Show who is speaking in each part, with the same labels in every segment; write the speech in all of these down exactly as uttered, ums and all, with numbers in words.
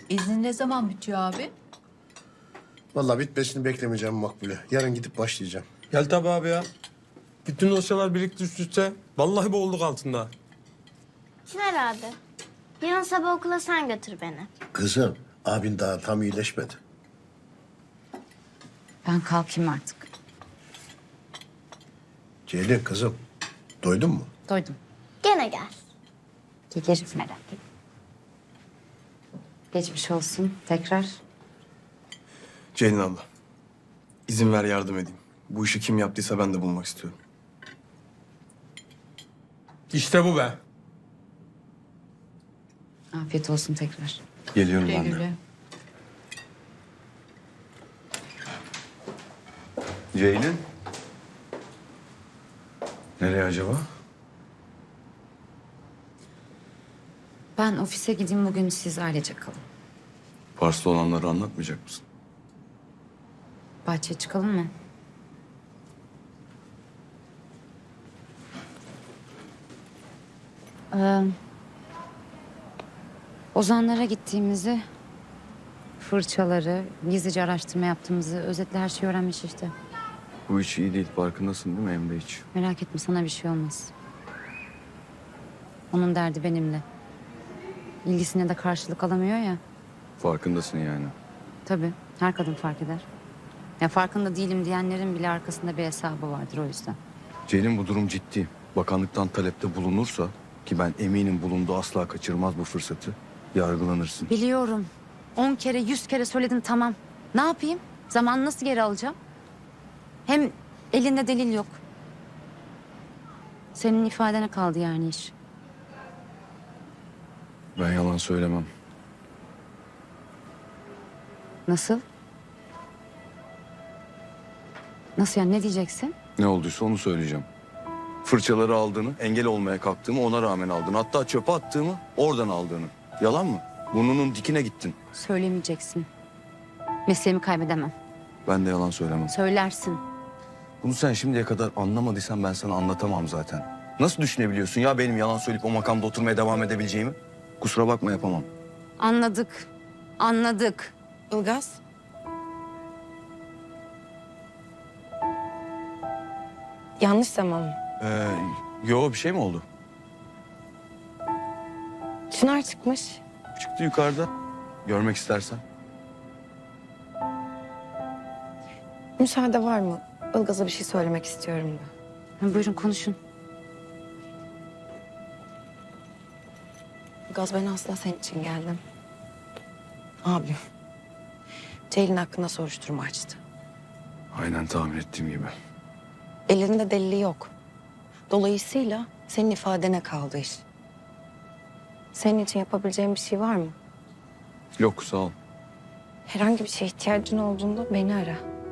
Speaker 1: İznin ne zaman bitiyor abi?
Speaker 2: Vallahi bitmesini beklemeyeceğim Makbule. Yarın gidip başlayacağım.
Speaker 3: Gel tabii abi ya. Bütün dosyalar birlikte üst üste. Vallahi boğulduk altında.
Speaker 4: Çınar abi, yarın sabah okula sen götür beni.
Speaker 2: Kızım, abin daha tam iyileşmedi.
Speaker 5: Ben kalkayım artık.
Speaker 2: Ceylin kızım, doydun mu?
Speaker 5: Doydum.
Speaker 4: Gene gel.
Speaker 5: Gelirim merak etme. Geçmiş olsun tekrar.
Speaker 6: Ceylin abla, izin ver yardım edeyim. Bu işi kim yaptıysa ben de bulmak istiyorum.
Speaker 3: İşte bu be.
Speaker 5: Afiyet olsun tekrar.
Speaker 6: Geliyorum
Speaker 1: Güle
Speaker 6: ben de.
Speaker 1: güle.
Speaker 6: Ceylin? Nereye acaba?
Speaker 5: Ben ofise gideyim bugün, siz ailece kalın.
Speaker 6: Pars'ta olanları anlatmayacak mısın?
Speaker 5: Bahçeye çıkalım mı? Ee, Ozanlara gittiğimizi, fırçaları, gizlice araştırma yaptığımızı, özetle her şeyi öğrenmiş işte.
Speaker 6: Bu iş iyi değil, farkındasın değil mi Emre hiç?
Speaker 5: Merak etme, sana bir şey olmaz. Onun derdi benimle. İlgisine de karşılık alamıyor ya.
Speaker 6: Farkındasın yani.
Speaker 5: Tabii, her kadın fark eder. Ya farkında değilim diyenlerin bile arkasında bir hesabı vardır o yüzden.
Speaker 6: Ceylin bu durum ciddi. Bakanlıktan talepte bulunursa, ki ben eminim bulundu asla kaçırmaz bu fırsatı, yargılanırsın.
Speaker 5: Biliyorum. On kere, yüz kere söyledin, tamam. Ne yapayım? Zamanı nasıl geri alacağım? Hem elinde delil yok. Senin ifadene kaldı yani iş.
Speaker 6: Ben yalan söylemem.
Speaker 5: Nasıl? Nasıl yani, ne diyeceksin?
Speaker 6: Ne olduysa onu söyleyeceğim. Fırçaları aldığını, engel olmaya kalktığımı ona rağmen aldığını, hatta çöpe attığımı oradan aldığını. Yalan mı? Burnunun dikine gittin.
Speaker 5: Söylemeyeceksin. Mesleğimi kaybedemem.
Speaker 6: Ben de yalan söylemem.
Speaker 5: Söylersin.
Speaker 6: Bunu sen şimdiye kadar anlamadıysan ben sana anlatamam zaten. Nasıl düşünebiliyorsun ya benim yalan söyleyip o makamda oturmaya devam edebileceğimi? Kusura bakma, yapamam.
Speaker 5: Anladık. Anladık.
Speaker 7: Ilgaz. Yanlış zaman mı?
Speaker 6: Ee, yo bir şey mi oldu?
Speaker 7: Çınar çıkmış.
Speaker 6: Çıktı yukarıda. Görmek istersen.
Speaker 7: Müsaade var mı? Ilgaz'a bir şey söylemek istiyorum da.
Speaker 5: Ha, buyurun konuşun.
Speaker 7: Ilgaz, ben aslında senin için geldim. Abim. Ceylin hakkında soruşturma açtı.
Speaker 6: Aynen tahmin ettiğim gibi.
Speaker 7: Elinde delili yok. Dolayısıyla senin ifadene kaldı iş. Senin için yapabileceğim bir şey var mı?
Speaker 6: Yok sağ ol.
Speaker 7: Herhangi bir şeye ihtiyacın olduğunda beni ara.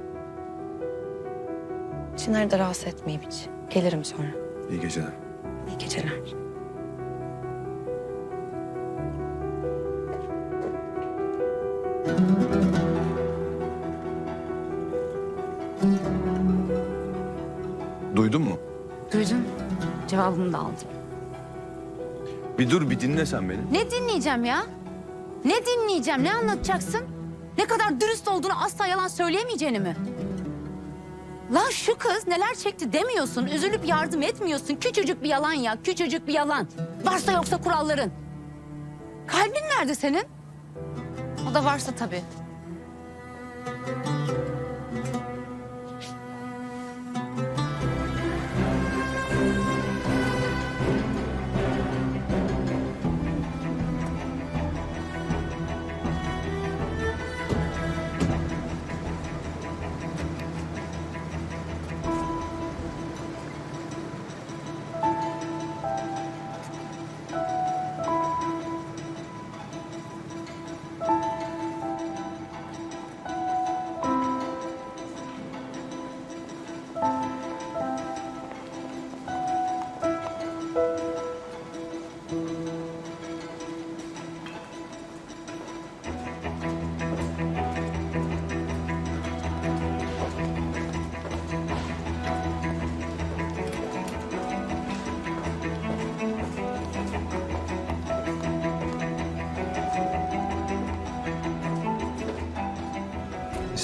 Speaker 7: Çınar'ı da rahatsız etmeyeyim hiç. Gelirim sonra.
Speaker 6: İyi geceler.
Speaker 7: İyi geceler.
Speaker 6: Duydun mu?
Speaker 5: Duydum. Cevabımı da aldım.
Speaker 6: Bir dur bir dinle sen beni.
Speaker 5: Ne dinleyeceğim ya? Ne dinleyeceğim? Ne anlatacaksın? Ne kadar dürüst olduğunu, asla yalan söyleyemeyeceğini mi? Lan şu kız neler çekti demiyorsun, üzülüp yardım etmiyorsun. Küçücük bir yalan ya, küçücük bir yalan. Varsa yoksa kuralların. Kalbin nerede senin? O da varsa tabii.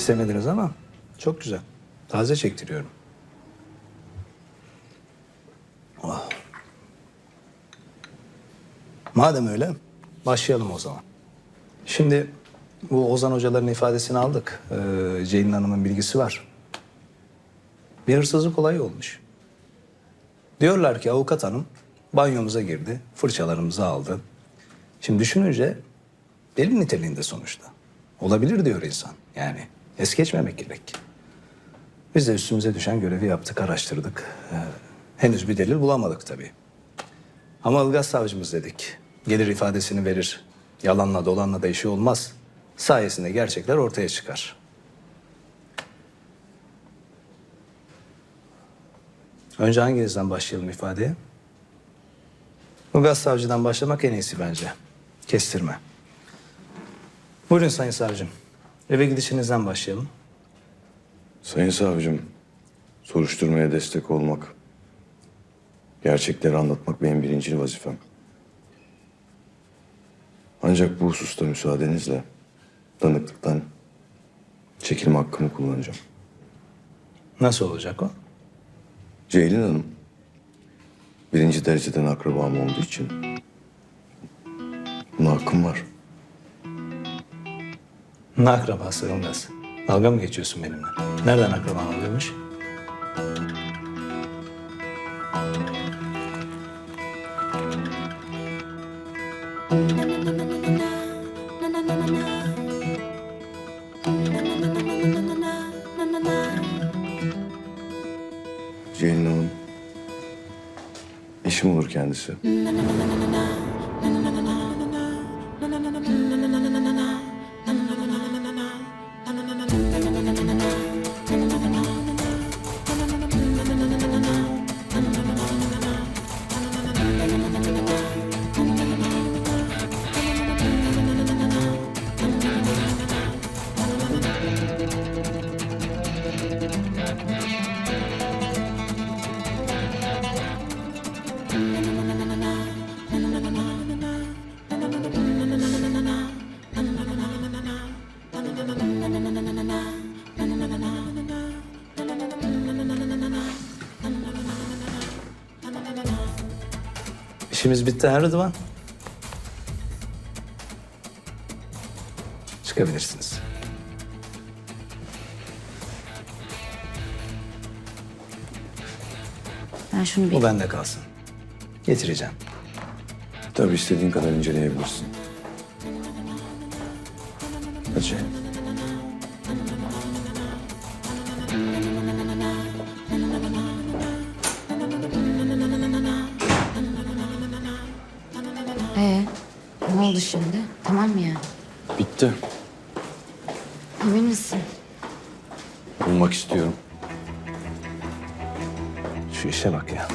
Speaker 8: istemediniz ama çok güzel. Taze çektiriyorum. Oh. Madem öyle başlayalım o zaman. Şimdi bu Ozan hocaların ifadesini aldık. Ee, Ceylin Hanım'ın bilgisi var. Bir hırsızlık olayı olmuş. Diyorlar ki avukat hanım banyomuza girdi, fırçalarımızı aldı. Şimdi düşününce delil niteliğinde sonuçta. Olabilir diyor insan. Yani es geçmemek gerek. Biz de üstümüze düşen görevi yaptık, araştırdık. Ee, henüz bir delil bulamadık tabii. Ama Ilgaz savcımız dedik. Gelir ifadesini verir. Yalanla dolanla da işi olmaz. Sayesinde gerçekler ortaya çıkar. Önce hanginizden başlayalım ifadeye? Ilgaz savcıdan başlamak en iyisi bence. Kestirme. Buyurun sayın savcım. Eve gidişinizden başlayalım.
Speaker 6: Sayın savcım, soruşturmaya destek olmak, gerçekleri anlatmak benim birinci vazifem. Ancak bu hususta müsaadenizle tanıklıktan çekilme hakkımı kullanacağım.
Speaker 8: Nasıl olacak o?
Speaker 6: Ceylin Hanım, birinci dereceden akrabam olduğu için buna hakkım var.
Speaker 8: Ne akrabası Ilgaz? Dalga mı geçiyorsun benimle? Nereden akraban oluyormuş?
Speaker 6: Ceylin Hanım, eşim olur kendisi.
Speaker 8: İşimiz bitti ha Rıdvan. Çıkabilirsiniz.
Speaker 5: Ben şunu bir...
Speaker 8: Bu bende kalsın. Getireceğim.
Speaker 6: Tabii istediğin kadar inceleyebilirsin. Hadi Ceylin.
Speaker 5: Ee, ne oldu şimdi? Tamam mı yani?
Speaker 6: Bitti.
Speaker 5: Emin misin?
Speaker 6: Bulmak istiyorum.
Speaker 8: Şu işe bak ya.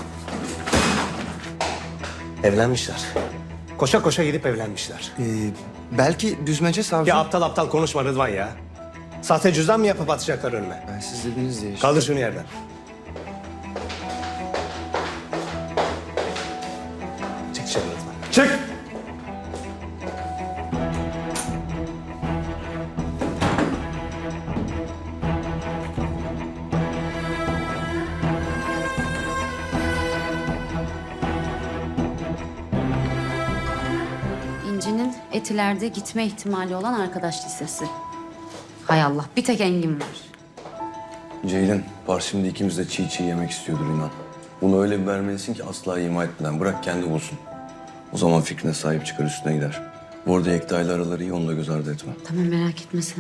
Speaker 8: Evlenmişler. Koşa koşa gidip evlenmişler.
Speaker 9: Ee, belki düzmece savcı...
Speaker 8: Ya aptal aptal konuşma Rıdvan ya. Sahte cüzdan mı yapıp atacaklar önüme?
Speaker 9: Ben siz dediniz diye işte.
Speaker 8: Kaldır şunu yerden. Çık dışarı Rıdvan. Çık!
Speaker 5: İnci'nin Etiler'de gitme ihtimali olan arkadaş listesi. Hay Allah, bir tek Engin var.
Speaker 6: Ceylin, Pars şimdi ikimiz de çiğ çiğ yemek istiyordur inan. Bunu öyle bir vermelisin ki asla ima etmeden bırak kendi bulsun. O zaman fikrine sahip çıkar üstüne gider. Bu arada Yekta ile araları iyi, onu da göz ardı etme.
Speaker 5: Tamam, merak etme sen.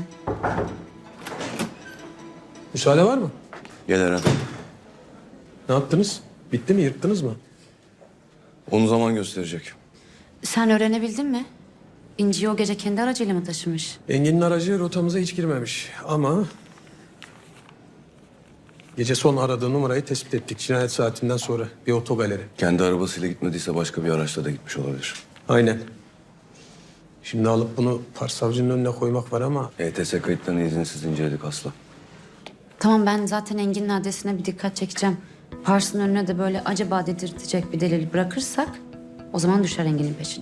Speaker 3: Müsaade var mı?
Speaker 6: Gel Eren.
Speaker 3: Ne yaptınız? Bitti mi? Yırttınız mı?
Speaker 6: Onu zaman gösterecek.
Speaker 5: Sen öğrenebildin mi? İnci'yi o gece kendi aracıyla mı taşımış?
Speaker 3: Engin'in aracı rotamıza hiç girmemiş ama... Gece son aradığı numarayı tespit ettik. Cinayet saatinden sonra bir otogaleri.
Speaker 6: Kendi arabasıyla gitmediyse başka bir araçla da gitmiş olabilir.
Speaker 3: Aynen. Şimdi alıp bunu Pars savcının önüne koymak var ama...
Speaker 6: E T S kayıtlarını izinsiz inceledik Aslı.
Speaker 5: Tamam, ben zaten Engin'in adresine bir dikkat çekeceğim. Pars'ın önüne de böyle acaba dedirtecek bir delil bırakırsak... o zaman düşer Engin'in peşine.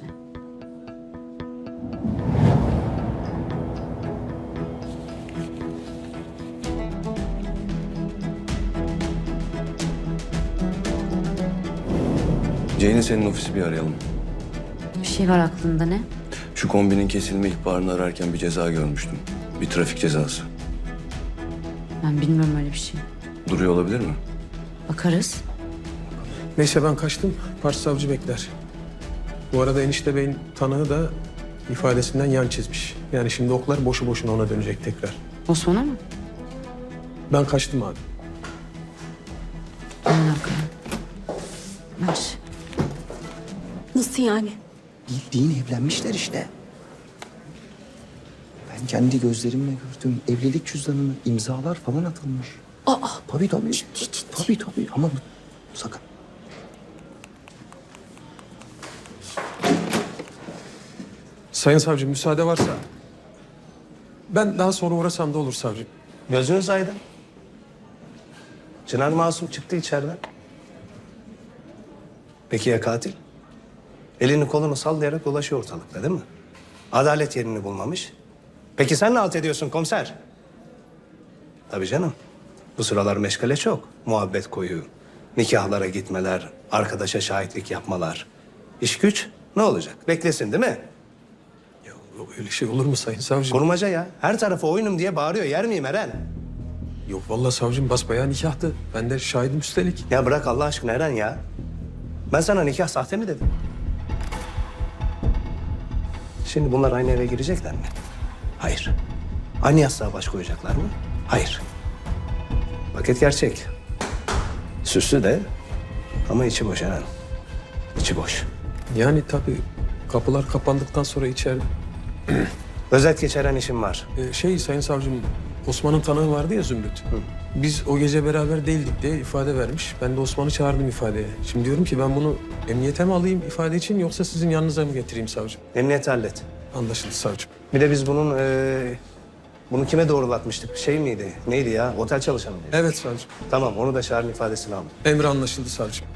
Speaker 6: Ceylin senin ofisi bir arayalım.
Speaker 5: Bir şey var aklında ne?
Speaker 6: Şu kombinin kesilme ihbarını ararken bir ceza görmüştüm. Bir trafik cezası.
Speaker 5: Ben bilmiyorum öyle bir şey.
Speaker 6: Duruyor olabilir mi?
Speaker 5: Bakarız.
Speaker 3: Neyse ben kaçtım. Başsavcı bekler. Bu arada enişte beyin tanığı da ifadesinden yan çizmiş. Yani şimdi oklar boşu boşuna ona dönecek tekrar.
Speaker 5: Osman'a mı?
Speaker 3: Ben kaçtım abi.
Speaker 5: Hemen arkaya. Ver.
Speaker 7: Nasıl yani?
Speaker 9: Bildiğin evlenmişler işte. Ben kendi gözlerimle gördüm. Evlilik cüzdanına imzalar falan atılmış.
Speaker 7: Aa,
Speaker 9: Tabii tabii.
Speaker 7: ciddi ciddi.
Speaker 9: Tabii tabii ama bu- sakın.
Speaker 3: Sayın savcım müsaade varsa ben daha sonra uğrasam da olur savcım.
Speaker 8: Gözünüz aydın. Çınar masum çıktı içeriden. Peki ya katil? Elini kolunu sallayarak dolaşıyor ortalıkta değil mi? Adalet yerini bulmamış. Peki sen ne halt ediyorsun komiser? Tabii canım. Bu sıralar meşgale çok. Muhabbet koyu, nikahlara gitmeler, arkadaşa şahitlik yapmalar. İş güç ne olacak? Beklesin değil mi?
Speaker 3: Ya yok öyle şey olur mu sayın savcım?
Speaker 8: Kurmaca ya. Her tarafı oyunum diye bağırıyor. Yer miyim Eren?
Speaker 3: Yok vallahi savcım basbayağı nikahtı. Ben de şahidim üstelik.
Speaker 8: Ya bırak Allah aşkına Eren ya. Ben sana nikah sahte mi dedim? Şimdi bunlar aynı eve girecekler mi? Hayır. Aynı yastığa baş koyacaklar mı? Hayır. Paket gerçek. Süslü de ama içi boş Eren. İçi boş.
Speaker 3: Yani tabii kapılar kapandıktan sonra içeride.
Speaker 8: Özet geçeren işim var.
Speaker 3: Ee, şey sayın savcım Osman'ın tanığı vardı ya Zümrüt. Biz o gece beraber değildik diye ifade vermiş. Ben de Osman'ı çağırdım ifadeye. Şimdi diyorum ki ben bunu emniyete mi alayım ifade için yoksa sizin yanınıza mı getireyim savcım?
Speaker 8: Emniyet hallet.
Speaker 3: Anlaşıldı savcım.
Speaker 8: Bir de biz bunun eee, bunu kime doğrulatmıştık? Şey miydi? Neydi ya? Otel çalışanı mıydı?
Speaker 3: Evet savcım.
Speaker 8: Tamam onu da çağırın ifadesini alın.
Speaker 3: Emri anlaşıldı savcım.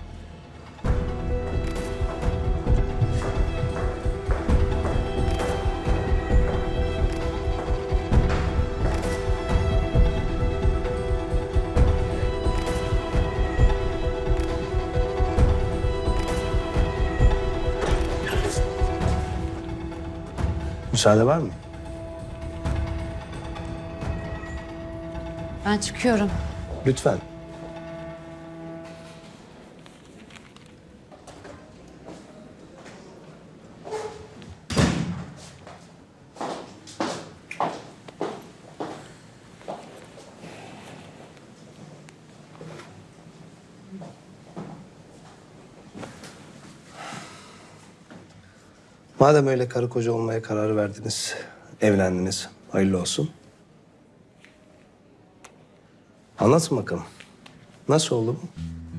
Speaker 8: Müsaade var mı?
Speaker 5: Ben çıkıyorum.
Speaker 8: Lütfen. Madem öyle karı koca olmaya karar verdiniz, evlendiniz, hayırlı olsun. Anlatın bakalım. Nasıl oldu bu?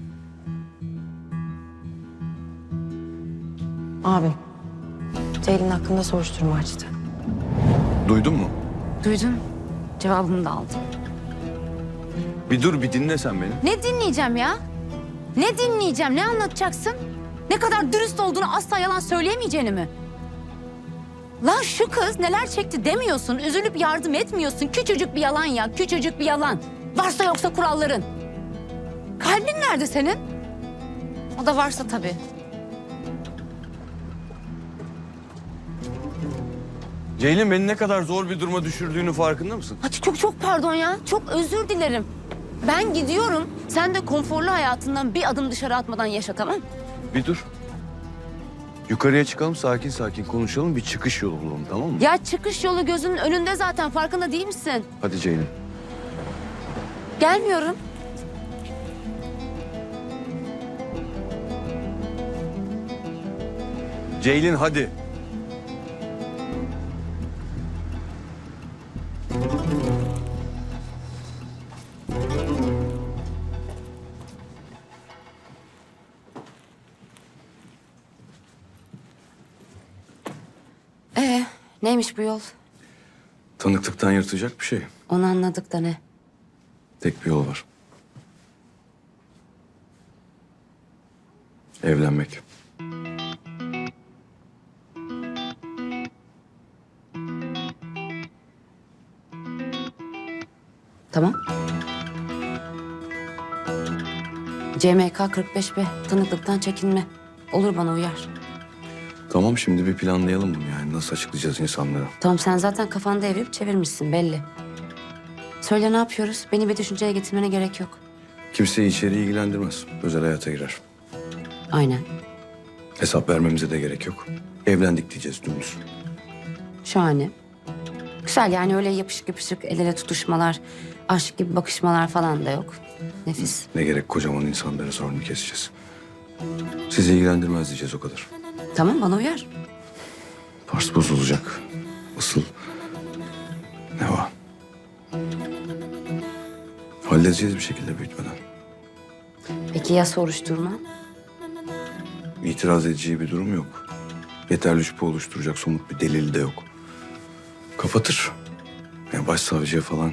Speaker 7: Abi, Ceylin hakkında soruşturma açtı.
Speaker 6: Duydun mu?
Speaker 5: Duydum. Cevabımı da aldım.
Speaker 6: Bir dur bir dinle sen beni.
Speaker 5: Ne dinleyeceğim ya? Ne dinleyeceğim? Ne anlatacaksın? Ne kadar dürüst olduğunu asla yalan söyleyemeyeceğini mi? Lan şu kız neler çekti demiyorsun, üzülüp yardım etmiyorsun. Küçücük bir yalan ya, küçücük bir yalan. Varsa yoksa kuralların. Kalbin nerede senin? O da varsa tabii.
Speaker 6: Ceylin beni ne kadar zor bir duruma düşürdüğünü farkında mısın?
Speaker 5: Hadi çok çok pardon ya, çok özür dilerim. Ben gidiyorum, sen de konforlu hayatından bir adım dışarı atmadan yaşa, tamam mı?
Speaker 6: Bir dur. Yukarıya çıkalım sakin sakin konuşalım bir çıkış yolu bulalım tamam mı?
Speaker 5: Ya çıkış yolu gözünün önünde zaten, farkında değil misin?
Speaker 6: Hadi Ceylin.
Speaker 5: Gelmiyorum.
Speaker 6: Ceylin hadi.
Speaker 5: Ee, neymiş bu yol?
Speaker 6: Tanıklıktan yırtacak bir şey.
Speaker 5: Onu anladık da ne?
Speaker 6: Tek bir yol var. Evlenmek.
Speaker 5: Tamam. C M K kırk beş B, tanıklıktan çekinme. Olur, bana uyar.
Speaker 6: Tamam, şimdi bir planlayalım bunu yani. Nasıl açıklayacağız insanlara?
Speaker 5: Tamam, sen zaten kafanda evirip çevirmişsin belli. Söyle, ne yapıyoruz? Beni bir düşünceye getirmene gerek yok.
Speaker 6: Kimseyi içeri ilgilendirmez. Özel hayata girer.
Speaker 5: Aynen.
Speaker 6: Hesap vermemize de gerek yok. Evlendik diyeceğiz dümdüz.
Speaker 5: Şahane. Güzel, yani öyle yapışık yapışık el ele tutuşmalar, aşk gibi bakışmalar falan da yok. Nefis.
Speaker 6: Ne gerek kocaman insanların sorunu keseceğiz. Sizi ilgilendirmez diyeceğiz o kadar.
Speaker 5: Tamam, bana uyar.
Speaker 6: Pars bozulacak. Asıl ne var? Halledeceğiz bir şekilde büyütmeden.
Speaker 5: Peki ya soruşturma?
Speaker 6: İtiraz edeceği bir durum yok. Yeterli şüphe oluşturacak somut bir delil de yok. Kapatır. Yani başsavcıya falan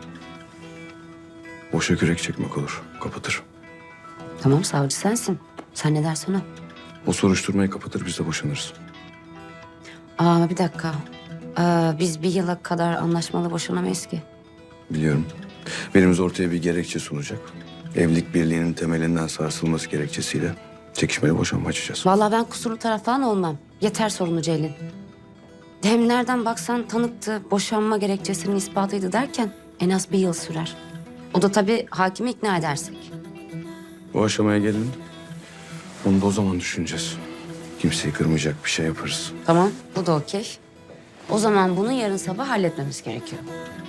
Speaker 6: boşa kürek çekmek olur. Kapatır.
Speaker 5: Tamam, savcı sensin. Sen ne dersen o.
Speaker 6: O soruşturmayı kapatır, biz de boşanırız.
Speaker 5: Aa, bir dakika. Aa, biz bir yıla kadar anlaşmalı boşanamayız ki.
Speaker 6: Biliyorum. Birimiz ortaya bir gerekçe sunacak. Evlilik birliğinin temelinden sarsılması gerekçesiyle çekişmeli boşanma açacağız.
Speaker 5: Vallahi ben kusurlu taraf falan olmam. Yeter sorunu Ceylin. Hem nereden baksan tanıktı, boşanma gerekçesinin ispatıydı derken en az bir yıl sürer. O da tabii hakimi ikna edersek.
Speaker 6: Bu aşamaya gelin. Onu da o zaman düşüneceğiz. Kimseyi kırmayacak bir şey yaparız.
Speaker 5: Tamam, bu da okey. O zaman bunu yarın sabah halletmemiz gerekiyor.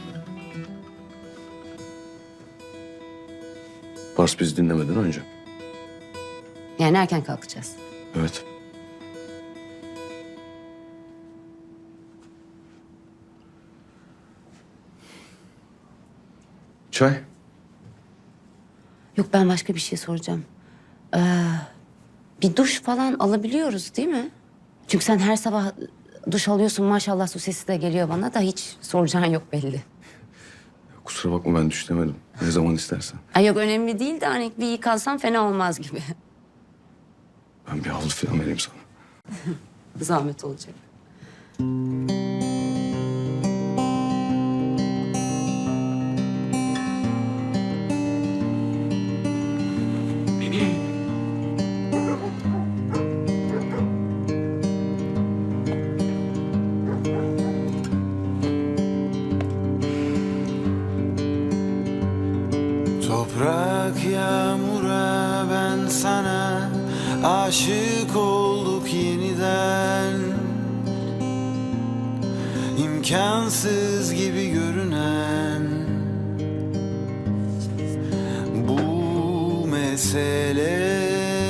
Speaker 6: Pars bizi dinlemeden önce.
Speaker 5: Yani erken kalkacağız.
Speaker 6: Evet. Çay.
Speaker 5: Yok, ben başka bir şey soracağım. Ee, bir duş falan alabiliyoruz değil mi? Çünkü sen her sabah duş alıyorsun, maşallah, su sesi de geliyor bana da hiç soracağın yok belli.
Speaker 6: Kusura bakma, ben düşlemedim. Ne zaman istersen.
Speaker 5: Ay yok, önemli değil de hani bir yıkansam fena olmaz gibi.
Speaker 6: Ben bir havlu falan vereyim sana.
Speaker 5: Zahmet olacak.
Speaker 10: Toprak yağmura ben sana aşık olduk yeniden. İmkansız gibi görünen bu mesele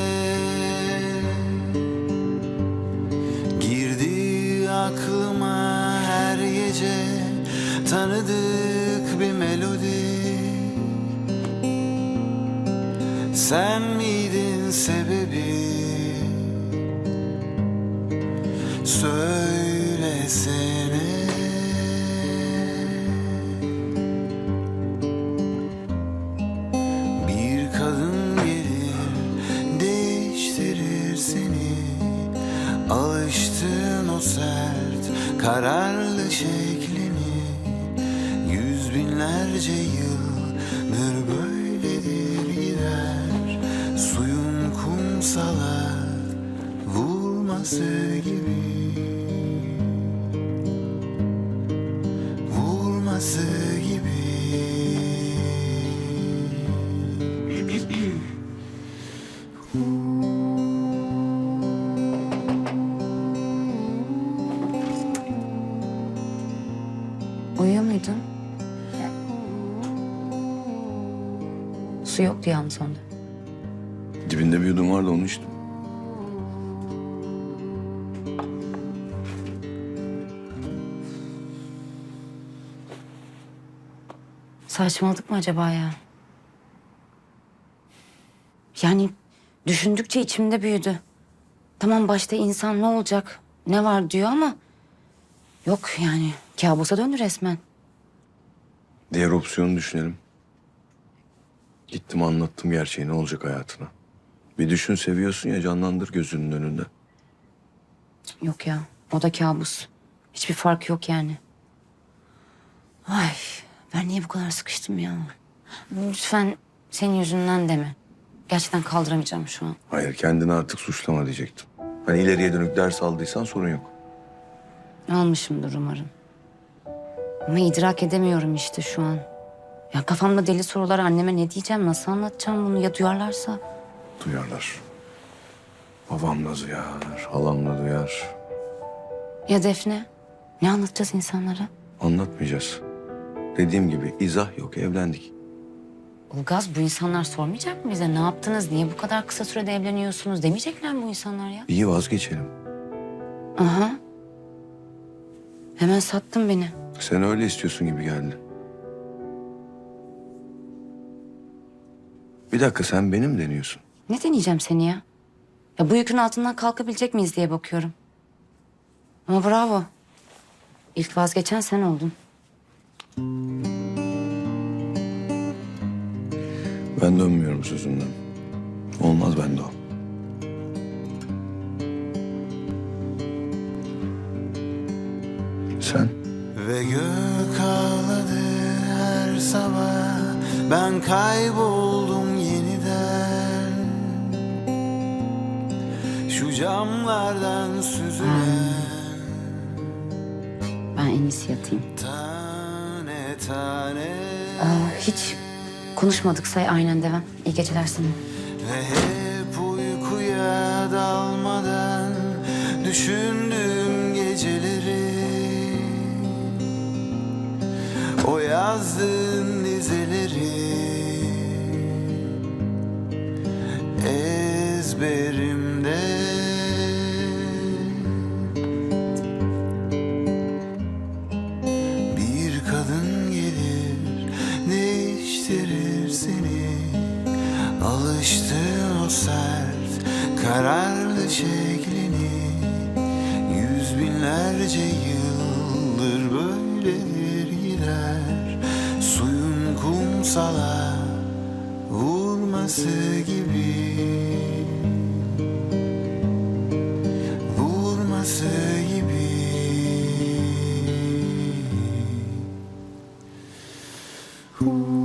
Speaker 10: girdi aklıma her gece, tanıdık bir melodi. Sen miydin sebebi? Söylesene. Bir kadın gelir, değiştirir seni. Alıştığın o sert, kararlı şeklini. Yüz binlerce yıldır böyledir gider. Suyun kumsala vurması gibi, vurması gibi.
Speaker 5: Uyuyor muydun? Su yoktu yalnız onda.
Speaker 6: Dibinde bir yudum vardı, onu içtim.
Speaker 5: Saçmaladık mı acaba ya? Yani düşündükçe içimde büyüdü. Tamam, başta insan ne olacak, ne var diyor ama... Yok yani, kabusa döndü resmen.
Speaker 6: Diğer opsiyonu düşünelim. Gittim, anlattım gerçeği, ne olacak hayatına. Bir düşün, seviyorsun ya, canlandır gözünün önünde.
Speaker 5: Yok ya, o da kabus. Hiçbir fark yok yani. Ay, ben niye bu kadar sıkıştım ya? Lütfen senin yüzünden deme. Gerçekten kaldıramayacağım şu an.
Speaker 6: Hayır, kendini artık suçlama diyecektim. Hani ileriye dönük ders aldıysan sorun yok.
Speaker 5: Almışımdır umarım. Ama idrak edemiyorum işte şu an. Ya kafamda deli sorular, anneme ne diyeceğim, nasıl anlatacağım bunu, ya duyarlarsa?
Speaker 6: Duyarlar. Babam da duyar, halam da duyar.
Speaker 5: Ya Defne? Ne anlatacağız insanlara?
Speaker 6: Anlatmayacağız. Dediğim gibi izah yok, evlendik.
Speaker 5: Ilgaz, bu insanlar sormayacak mı bize? Ne yaptınız, niye bu kadar kısa sürede evleniyorsunuz demeyecekler mi bu insanlar ya?
Speaker 6: İyi, vazgeçelim.
Speaker 5: Aha. Hemen sattın beni.
Speaker 6: Sen öyle istiyorsun gibi geldi. Bir dakika, sen benim deniyorsun.
Speaker 5: Ne deneyeceğim seni ya? Ya bu yükün altından kalkabilecek miyiz diye bakıyorum. Ama bravo. İlk vazgeçen sen oldun.
Speaker 6: Ben dönmüyorum sözümden. Olmaz bende o. Sen?
Speaker 10: Ve gök ağladı her sabah, ben kayboldum yeniden. Şu camlardan süzülen
Speaker 5: Ben en iyisi yatayım.
Speaker 10: tane tane
Speaker 5: Aa, hiç konuşmadık, say aynen devam. İyi geceler sana.
Speaker 10: ve hep uykuya dalmadan düşündüğüm geceleri, o yazdığın dizeleri ezberimde. Bir kadın gelir değiştirir seni, alıştığın o sert kararlı şeklini. Yüz binlerce yıldır böyledir gider, suyun kumsala vurması gibi, vurması gibi. Ooh.